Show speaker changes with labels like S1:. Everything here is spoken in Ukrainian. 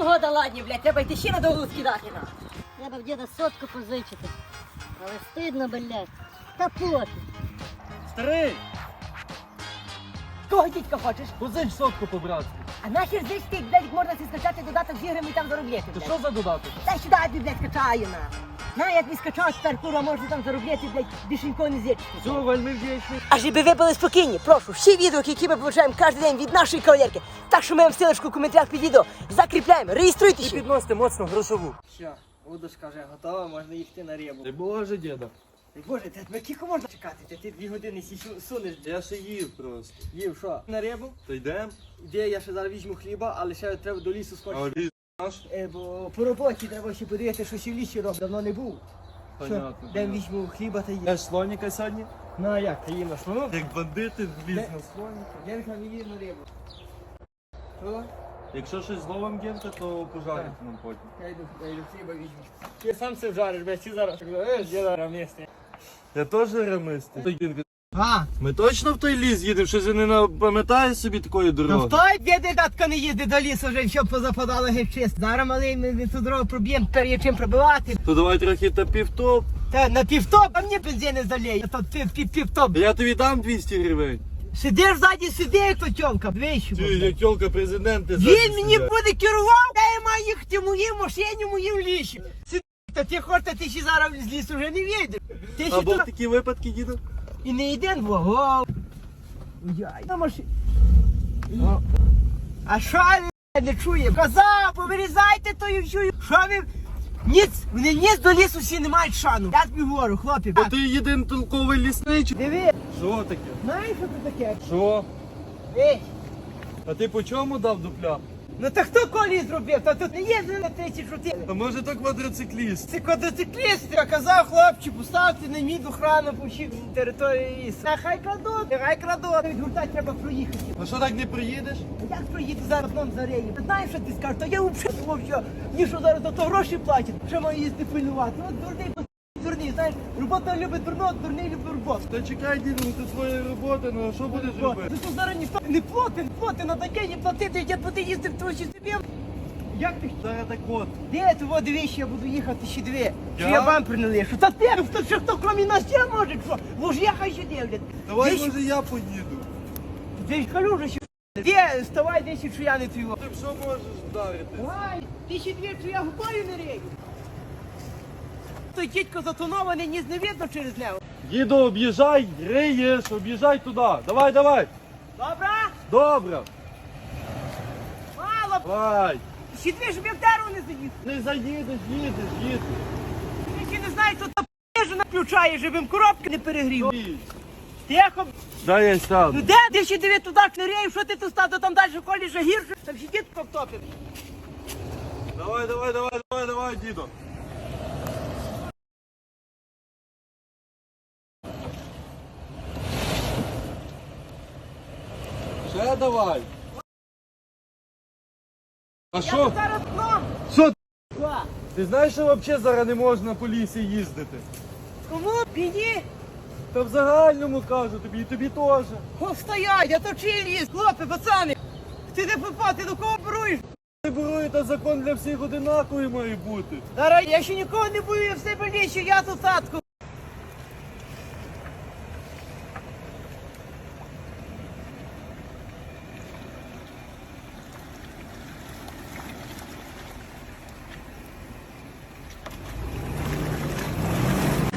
S1: Погода ладні, блядь, треба йти ще на довгу скидати на.
S2: Треба в діда сотку позичити. Але стидно, блядь. Та пофіг.
S3: Старий,
S1: Кого дідька хочеш?
S3: позич сотку по-братськи.
S1: А нахер здесь ти, блядь, можна си скачати додаток з іграми і там заробляти,
S3: То
S1: блядь.
S3: що за додаток?
S1: Дай сюди, я тобі, блядь, скачаю на. На, я тобі скачав, тепер, курва, можна там заробляти, блядь, більшенько не зірчити.
S3: Все, вельми вдячний.
S1: А щоб ви були спокійні, прошу, всі відео, які ми получаємо кожен день від нашої кавалерки, так що ми вам ссылочку в коментарях під відео закріпляємо, реєструйтесь.
S3: І підносите моцно грошову.
S4: Що, удочка вже готова, можна їхати на рибу.
S3: Ти боже, діда.
S4: Боже, тебе кілько можна чекати? Ти 2 години сунеш.
S3: Я ще їв просто.
S4: Їв, що? На рибу?
S3: Та йдем.
S4: Іде, я ще зараз візьму хліба, але ще треба до лісу
S3: А
S4: сходити.
S3: ліс наш?
S4: Бо по роботі треба ще подивитися, що ще в лісі робить. Давно не був.
S3: Понятно.
S4: Де візьму хліба та їм.
S3: Я ж слоніка сьогодні?
S4: Ну а як, ти їм на слону?
S3: Як бандити вліз на слоніка.
S4: Генка не їв на рибу. Що?
S3: Якщо щось зловим генка, то пожарити нам потім.
S4: Я йду хліба візьму. Ти сам все вжариш, блядь, ці зараз. Є зараз місце.
S3: Я теж ремистий. Той генка.
S4: А,
S3: Ми точно в той ліс їдемо? Щось він не пам'ятає собі такої
S4: ну
S3: дороги?
S4: в той діди татко не їздить до лісу, вже все позападало геть чисто. Зараз малий ми ту дорогу проб'ємо, тепер є чим пробивати.
S3: То давай трохи та півтоп.
S4: Та на півтоп, а мені бензин не заліє. То півтоп.
S3: Я тобі дам 200 гривень.
S4: Сидиш ззаді, сиди, як то тьомка, вийшов.
S3: Ти, як тьолка президенти.
S4: Він мені буде керував, я маю їхати в моїй машині, в моїм лісі. Сиди, та ти хочеш, та ти ще зараз з лісу вже не вийдеш. Ти ще
S3: Або
S4: тут
S3: такі випадки, діду?
S4: і не йде двого. Яй, на машині. А що він не чує? Казав, повирізайте тою всю. Що ви? Вони ніц до лісу всі не мають шану. Я тобі говорю, хлопці.
S3: Бо ти єдин толковий лісничий.
S4: Диви,
S3: Що таке?
S4: знаєш, що це таке?
S3: Що?
S4: Ей,
S3: А ти по чому дав дупля?
S4: ну та хто колі зробив? Та тут не їздили на 34.
S3: А може то квадроцикліст?
S4: Це квадроцикліст, я казав хлопці, поставте на мід охрану по всій території лісу. Нехай крадуть. Від гурта треба проїхати.
S3: А що так не приїдеш?
S4: Як проїти зараз нам зареї? Ти знаєш, що ти скажеш? То я взагалі думав, що ні, що зараз за то гроші платять. Що маю їсти пильнувати? От дурний, знаєш, робота любить дурного, дурний любить роботу.
S3: Та чекай, діду, ну це твоя робота, ну а що будеш робити?
S4: Ти тут зараз ніхто не плати, на таке не платити, я ти їздив в твої собі. Як ти?
S3: Зараз так от.
S4: Де ти дивись, я буду їхати ще дві. Що
S3: Я?
S4: я вам принелишу? Та ти, хто крім нас ще може, що? Бо ж я хай ще дивлять.
S3: Давай,
S4: Десь-
S3: може, я поїду.
S4: Ти ж калюжа ще. Де, вставай, десь, що я не твій.
S3: Ти що можеш вдарити?
S4: Давай, ти ще дві, що я губою не рію. Той дідько затонований, ніс не видно через нього.
S3: Діду, об'їжджай, риєш, об'їжджай туди. Давай, давай.
S4: Добре?
S3: Добре.
S4: Мало.
S3: Давай.
S4: Ще дві, щоб я в дерево не заїхав.
S3: Не заїдеш, їдеш.
S4: Я ще не знаю, хто та п***жу включає, щоб їм коробки не перегрів.
S3: Їдь.
S4: Тихо.
S3: Дай я сяду.
S4: Ну де ти ще диви туди не реєв, що ти тут став, то там далі колі ще гірше, там ще дід повтопив.
S3: Давай, діду. Ще давай. А
S4: Я
S3: що?
S4: тут зараз дном.
S3: Що?
S4: Що?
S3: Ти знаєш, що взагалі зараз не можна по лісі їздити?
S4: Кому? Мені?
S3: Та в загальному кажу тобі, і тобі теж.
S4: О, стоять, я то чий ліс, хлопці, пацани. Ти де попав, ти до кого боруєш?
S3: Не беру, та закон для всіх одинаковий має бути.
S4: Зараз я ще нікого не бою, я в себе ліщу, я тут татку.